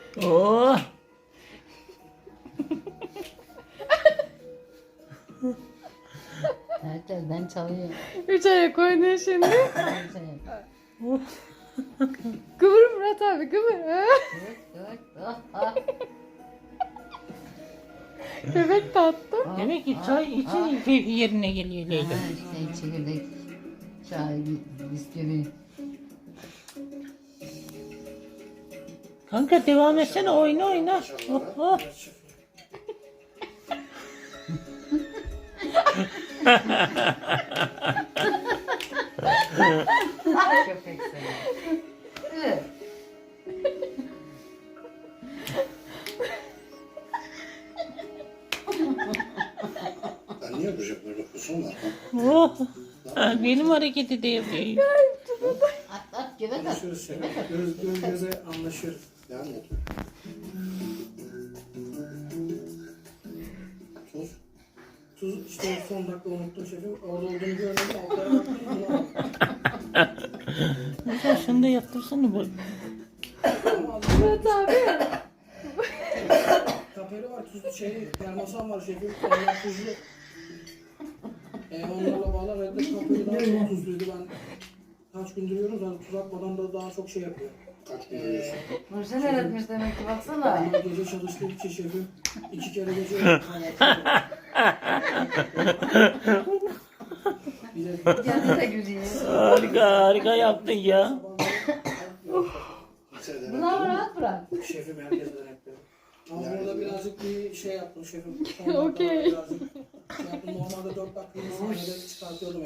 Oo. Herkesten çalıyor. 3 ayak oynuyor şimdi. Herkes. Kıvır Murat abi kıvır. Köpek de attı. Demek ki çay için keyfi yerine geliyor Leyla. İşte çekirdek, çay, bisküvi. Kanka devam etsene, oyna oyna. Oh, oh. Köpek seni. Evet. Ben niye böyle böyle kusum var? Oh. Ha, benim hareketi de yapıyor. At at göbek at. Konuşuyoruz şey. Göbek at. Göz göze anlaşıyoruz. Devam et. Tuz. Tuz işte son dakika unuttum şefim. Orada olduğunu görmedim. Altlara baktım. Bunu aldım. Mesela şunu da yaptırsana bak. Ama aldım. Murat abi. Kaperi var, tuzlu şey, termosan var şefim. Onlar tuzlu. Onlarla bağlamadık. Kaperi daha çok tuzluydu. Ben kaç gündür yiyorum. Zaten tuz atmadan da daha çok şey yapıyor. Kaç gündür yiyorsun? Nurşen öğretmiş demek ki baksana. Ama gece çalıştığım için şefim 2 kere gece yaptım. Bir de Kendi de gülüyor. Harika harika yaptın ya. Bunu ama rahat bırak. şefim herkesten yapıyor. Ama burada birazcık bir şey yaptım şefim. Okey. Birazcık şey yaptım. Normalde 4 dakika sahnede çıkartıyordum.